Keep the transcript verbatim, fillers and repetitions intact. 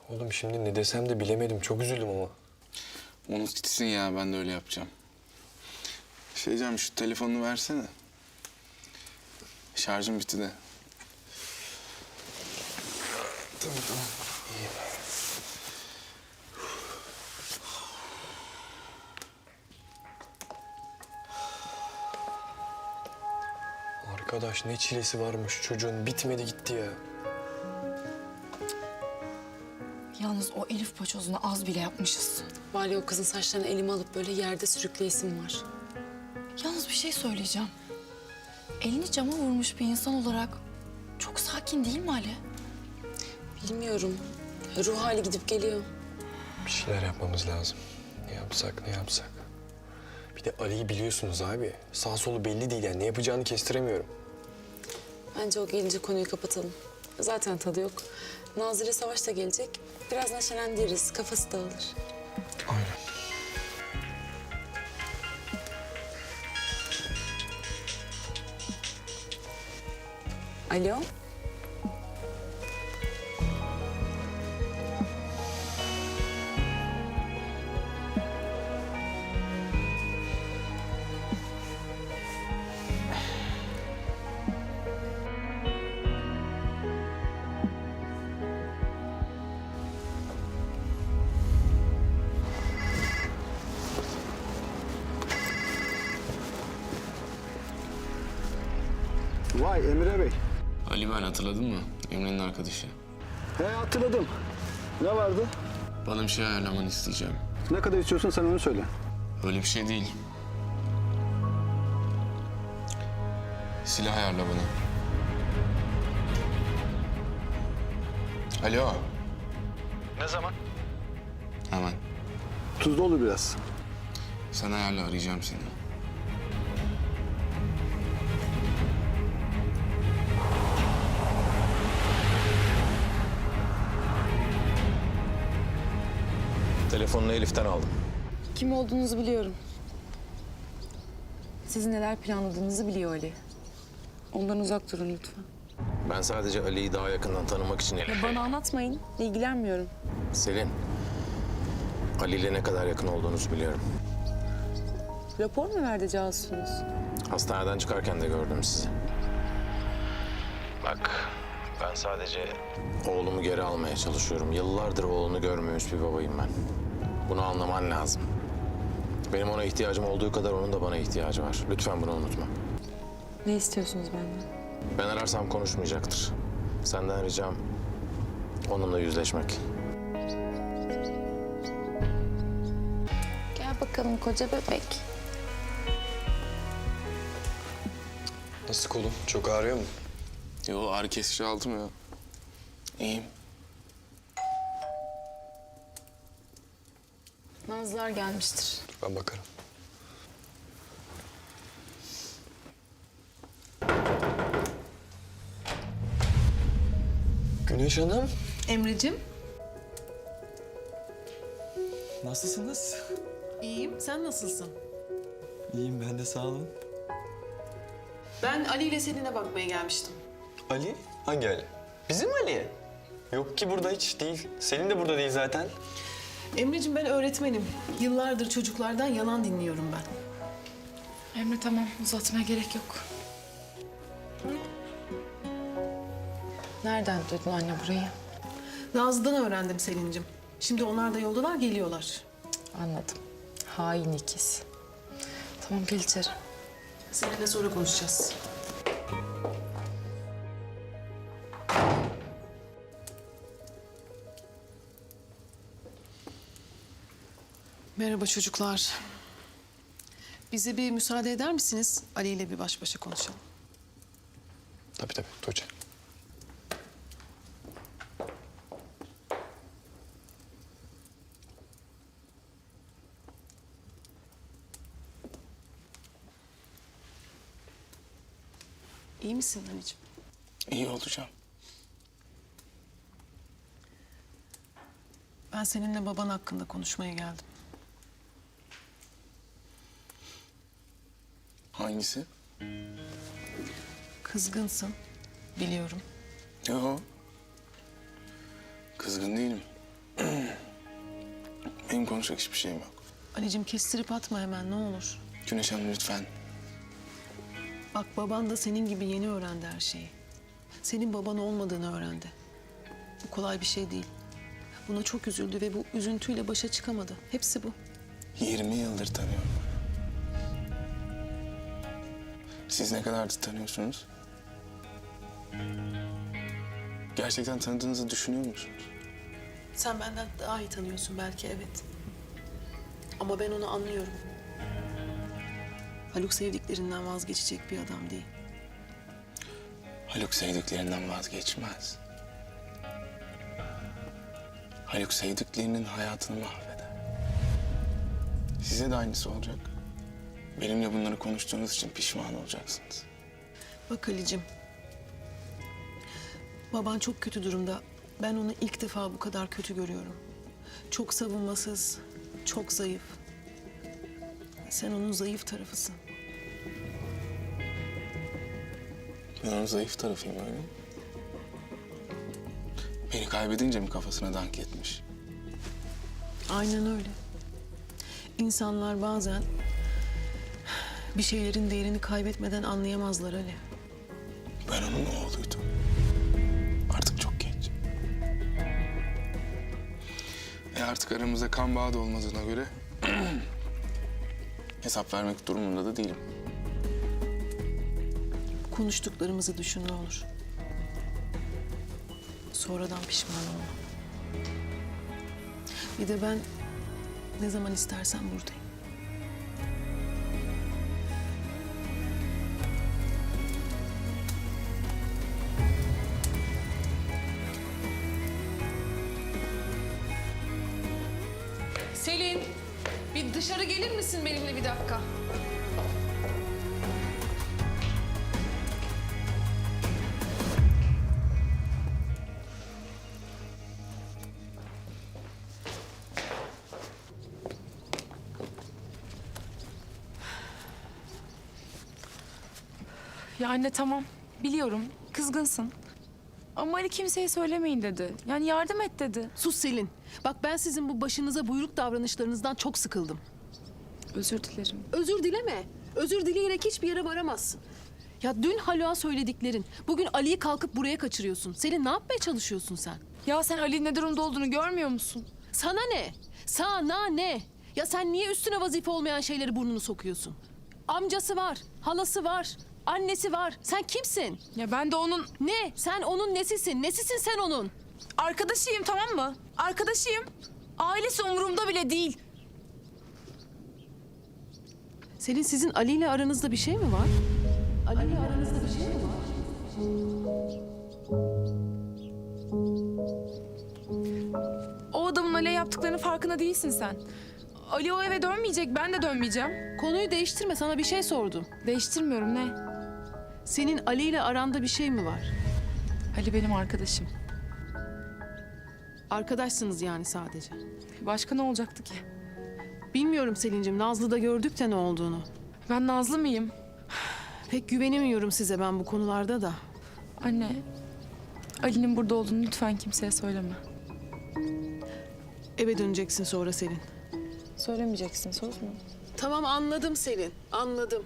Oğlum şimdi ne desem de bilemedim. Çok üzüldüm ama. Unut gitsin ya, ben de öyle yapacağım. Şey diyeceğim, şu telefonunu versene. Şarjım bitti de. Tamam tamam. İyiyim. Arkadaş ne çilesi varmış çocuğun. Bitmedi gitti ya. Yalnız o Elif paçozunu az bile yapmışız. Var ya, o kızın saçlarını elime alıp böyle yerde sürükleyesim var. Yalnız bir şey söyleyeceğim. Elini cama vurmuş bir insan olarak çok sakin değil mi Ali? Bilmiyorum. Ruh hali gidip geliyor. Bir şeyler yapmamız lazım. Ne yapsak ne yapsak. Bir de Ali'yi biliyorsunuz abi. Sağ solu belli değil yani. Ne yapacağını kestiremiyorum. Bence o gelince konuyu kapatalım. Zaten tadı yok. Nazire Savaş da gelecek. Biraz neşelendiririz. Kafası dağılır. Aynen. Alo. Vay Emre Bey. Ali, ben hatırladın mı? Emre'nin arkadaşı. He hatırladım. Ne vardı? Bana bir şey ayarlamanı isteyeceğim. Ne kadar istiyorsun sen onu söyle. Öyle bir şey değil. Silah ayarla bana. Alo. Ne zaman? Hemen. Tuzlu olur biraz. Sen ayarla, arayacağım seni. Telefonunu Elif'ten aldım. Kim olduğunuzu biliyorum. Sizin neler planladığınızı biliyor Ali. Ondan uzak durun lütfen. Ben sadece Ali'yi daha yakından tanımak için Elif. Bana anlatmayın. İlgilenmiyorum. Selin, Ali ile ne kadar yakın olduğunuzu biliyorum. Rapor mu verdi casusunuz? Hastaneden çıkarken de gördüm sizi. Bak, ben sadece oğlumu geri almaya çalışıyorum. Yıllardır oğlunu görmemiş bir babayım ben. Bunu anlaman lazım. Benim ona ihtiyacım olduğu kadar onun da bana ihtiyacı var. Lütfen bunu unutma. Ne istiyorsunuz benden? Ben ararsam konuşmayacaktır. Senden ricam onunla yüzleşmek. Gel bakalım koca bebek. Nasıl kolum? Çok ağrıyor mu? Yo, ağrı kesici aldım ya. İyiyim. Nazlılar gelmiştir. Ben bakarım. Güneş Hanım. Emre'cim, Nasılsınız? iyiyim. Sen nasılsın? İyiyim ben de sağ olun. Ben Ali ile Selin'e bakmaya gelmiştim. Ali? Hangi Ali? Bizim Ali. Yok ki burada hiç değil. Selin de burada değil zaten. Emre'cim, ben öğretmenim. Yıllardır çocuklardan yalan dinliyorum ben. Emre tamam, uzatmaya gerek yok. Nereden duydun anne burayı? Nazlı'dan öğrendim Selin'cim. Şimdi onlar da yoldalar, geliyorlar. Anladım. Hain ikiz. Tamam, gel içeri. Seninle sonra konuşacağız. Merhaba çocuklar. Bize bir müsaade eder misiniz? Ali ile bir baş başa konuşalım. Tabii tabii Tuğçe. İyi misin anneciğim? İyi olacağım. Ben seninle baban hakkında konuşmaya geldim. Hangisi? Kızgınsın, biliyorum. Yo. Kızgın değilim. konuşacak hiçbir şeyim yok. Ali'cim kestirip atma hemen ne olur. Güneş Hanım lütfen. Bak baban da senin gibi yeni öğrendi her şeyi. Senin baban olmadığını öğrendi. Bu kolay bir şey değil. Buna çok üzüldü ve bu üzüntüyle başa çıkamadı. Hepsi bu. yirmi yıldır tanıyorum. Siz ne kadardır tanıyorsunuz? Gerçekten tanıdığınızı düşünüyor musunuz? Sen benden daha iyi tanıyorsun belki evet. Ama ben onu anlıyorum. Haluk sevdiklerinden vazgeçecek bir adam değil. Haluk sevdiklerinden vazgeçmez. Haluk sevdiklerinin hayatını mahveder. Size de aynısı olacak. Benimle bunları konuştuğunuz için pişman olacaksınız. Bak Ali'cim. Baban çok kötü durumda. Ben onu ilk defa bu kadar kötü görüyorum. Çok savunmasız, çok zayıf. Sen onun zayıf tarafısın. Ben onun zayıf tarafıyım öyle mi? Beni kaybedince mi kafasına dank etmiş? Aynen öyle. İnsanlar bazen bir şeylerin değerini kaybetmeden anlayamazlar Ali. Ben onun oğluydum. Artık çok genç. E artık aramızda kan bağı da olmadığına göre hesap vermek durumunda da değilim. Konuştuklarımızı düşün ne olur. Sonradan pişman olma. Bir de ben ne zaman istersen buradayım. Selin, bir dışarı gelir misin benimle bir dakika? Ya anne tamam, biliyorum kızgınsın. Ama Ali kimseye söylemeyin dedi. Yani yardım et dedi. Sus Selin. Bak ben sizin bu başınıza buyruk davranışlarınızdan çok sıkıldım. Özür dilerim. Özür dileme. Özür dileyerek hiçbir yere varamazsın. Ya dün Haluk'a söylediklerin, bugün Ali'yi kalkıp buraya kaçırıyorsun. Selin ne yapmaya çalışıyorsun sen? Ya sen Ali'nin ne durumda olduğunu görmüyor musun? Sana ne? Sana ne? Ya sen niye üstüne vazife olmayan şeyleri burnunu sokuyorsun? Amcası var, halası var, annesi var. Sen kimsin? Ya ben de onun Ne? Sen onun nesisin? Nesisin sen onun? arkadaşıyım, tamam mı? Arkadaşıyım. Ailesi umurumda bile değil. Selin sizin Ali ile aranızda bir şey mi var? Ali ile aranızda bir şey mi var? O adamın Ali'ye yaptıklarının farkında değilsin sen. Ali o eve dönmeyecek, ben de dönmeyeceğim. Konuyu değiştirme, sana bir şey sordum. Değiştirmiyorum, ne? Senin Ali ile aranda bir şey mi var? Ali benim arkadaşım. Arkadaşsınız yani sadece. Başka ne olacaktı ki? Bilmiyorum Selin'cim, Nazlı'da gördük de ne olduğunu. Ben Nazlı mıyım? Pek güvenemiyorum size ben bu konularda da. Anne, Ali'nin burada olduğunu lütfen kimseye söyleme. Eve döneceksin sonra Selin. Söylemeyeceksin, söz mü? Tamam anladım Selin, anladım.